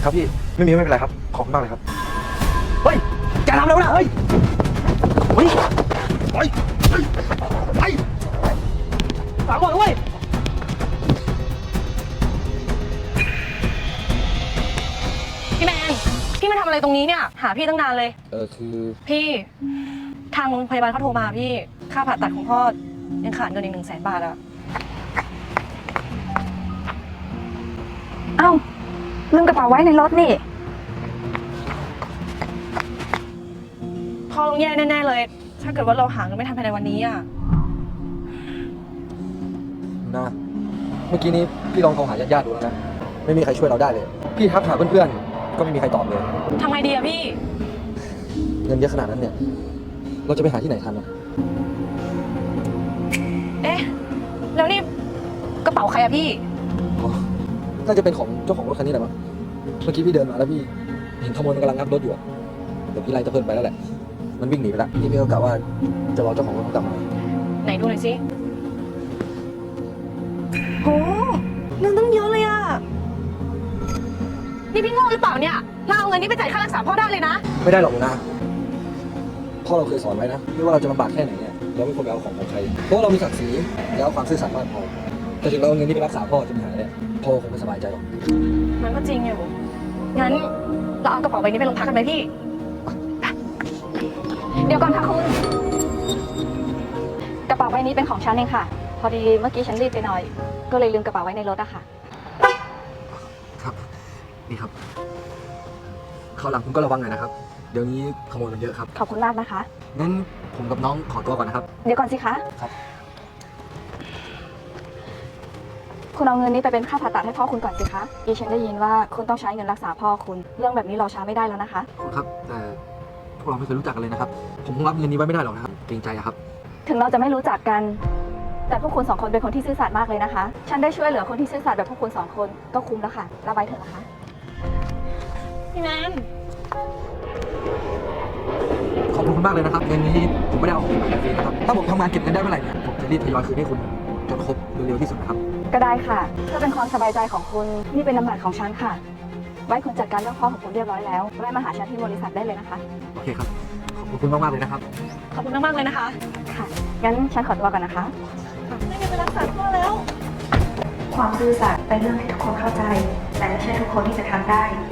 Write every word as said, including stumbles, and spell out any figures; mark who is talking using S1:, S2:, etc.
S1: ครับพี่ไม่มีไม่เป็นไรครับขอบคุณมากเลยครับเฮ้ยแกทำอะไรวะเฮ้ยเฮ้ยเฮ้ยเฮ้ยเฮ้ยฝากก่อนด้วย
S2: พี่แมนพี่มาทำอะไรตรงนี้เนี่ยหาพี่ตั้งนานเลย
S1: เออคือ
S2: พี่ทางโรงพยาบาลเขาโทรมาพี่ค่าผ่าตัดของพ่อยังขาดเงินอีกหนึ่งแสนบาทอะ
S3: เอ้าลืมกระเป๋าไว้ในรถนี่
S2: พ่อต้องแย่แน่ๆเลยถ้าเกิดว่าเราหาเงินไม่ทันภายในวันนี้อะ
S1: นะเมื่อกี้นี้พี่ลองโทรหาญาติๆดูแล้วนะไม่มีใครช่วยเราได้เลยพี่ทักหาเพื่อนๆก็ไม่มีใครตอบเลย
S2: ทำไงดีอะพี่
S1: เงินเยอะขนาดนั้นเนี่ยเราจะไปหาที่ไหนทันอ่ะ
S2: เอ๊ะแล้วนี่กระเป๋าใครอะพี่
S1: อ๋อน่าจะเป็นของเจ้าของรถคันนี้แหละมั้งเมื่อกี้พี่เดินมาแล้วพี่เห็นขโมยมันกำลังงับรถอยู่อะเดี๋ยวพี่ไล่ตะเพิ่นไปแล้วแหละมันวิ่งหนีไปแล้วพี่ไม่ก็กะว่าจะรอเจ้าของรถกลับมา
S2: ไหนดูหน่อยสิโหเงินตั้งเยอะเลยอะนี่พี่โง่หรือเปล่าเนี่ยเราเอาเงินนี้ไปจ่ายค่ารักษาพ่อได้เลยนะ
S1: ไม่ได้หรอกหนูนะพ่อเราเคยสอนไว้นะไม่ว่าเราจะลำบากแค่ไหนเนี่ยเราไม่ควรไปเอาของของใครเพราะว่าเรามีศักดิ์ศรีแล้วความซื่อสัตย์มากพอแต่ถึงเราเอาเงินนี้ไปรักษาพ่อจนหายเนี่ยพ่อคงไม่สบายใจหรอก
S2: มันก็จริงอยู่งั้นเราเอากระเป๋าใบนี้ไปโรงพักกันไหมพี่
S3: เดี๋ยวก่อนค่ะคุณกระเป๋าใบนี้เป็นของฉันเองค่ะพอดีเมื่อกี้ฉันรีบไปหน่อยก็เลยลืมกระเป๋าไว้ในรถอะค่ะ
S1: ครับนี่ครับคราวหลังคุณก็ระวังหน่อยนะครับเดี๋ยวนี้ขโมยมันเยอะครับ
S3: ขอบคุณมากนะคะ
S1: งั้นผมกับน้องขอตัวก่อนนะครับ
S3: เดี๋ยวก่อนสิคะ
S1: ครับ
S3: คุณเอาเงินนี้ไปเป็นค่าผ่าตัดให้พ่อคุณก่อนสิคะดิฉันได้ยินว่าคุณต้องใช้เงินรักษาพ่อคุณเรื่องแบบนี้รอช้าไม่ได้แล้วนะคะ
S1: คุณครับแต่พวกเราไม่เคยรู้จักกันเลยนะครับผมคงรับเงินนี้ไว้ไม่ได้หรอกนะครับเกรงใจครับ
S3: ถึงเราจะไม่รู้จักกันแต่พวกคุณสองคนเป็นคนที่ซื่อสัตย์มากเลยนะคะฉันได้ช่วยเหลือคนที่ซื่อสัตย์แบบพวกคุณสองคนก็คุ้มแล้วค่ะรับไว้เถอะนะคะ
S2: พี่แมน
S1: ขอบคุณมากเลยนะครับเงินนี้ผมไม่ได้เอาของมาฟรีนะครับถ้าผมทำงานเก็บเงินได้เมื่อไหร่เนี่ยผมจะรีบทยอยคืนให้คุณจนครบเร็วๆที่สุดนะครับ
S3: ก็ได้ค่ะเพื่อเป็นความสบายใจของคุณนี่เป็นน้ำหนักของฉันค่ะไว้คุณจัดการเรื่องพ่อของคุณเรียบร้อยแล้วแวะมาหาฉันที่บริษัทได้เลยนะคะ
S1: โอเคครับขอบคุณมากๆเลยนะครับ
S2: ขอบคุณมากๆเลยนะคะ
S3: ค่ะงั้นฉันขอตัวก่อนนะคะ
S2: ไม่มีเวลารักษาพ่อแล้ว
S3: ความซื่อสัตย์เป็นเรื่องที่ทุกคนเข้าใจแต่ไม่ใช่ทุกคนที่จะทำได้